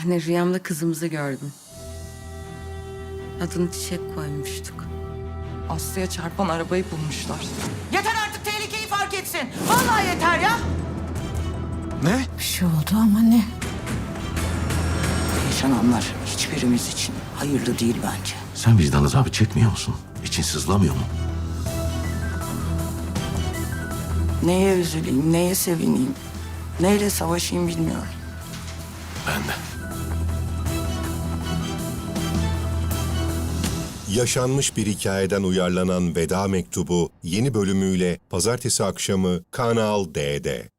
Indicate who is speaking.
Speaker 1: Anne rüyamda kızımızı gördüm. Adını Çiçek koymuştuk.
Speaker 2: Aslı'ya çarpan arabayı bulmuşlar. Yeter artık, tehlikeyi fark etsin. Vallahi yeter ya.
Speaker 3: Ne?
Speaker 4: Bir şey oldu ama ne? Yaşananlar hiçbirimiz için hayırlı değil bence.
Speaker 5: Sen vicdan azabı çekmiyor musun? İçin sızlamıyor mu?
Speaker 4: Neye üzüleyim, neye sevineyim, neyle savaşayım bilmiyorum.
Speaker 5: Ben de.
Speaker 6: Yaşanmış bir hikayeden uyarlanan Veda Mektubu yeni bölümüyle pazartesi akşamı Kanal D'de.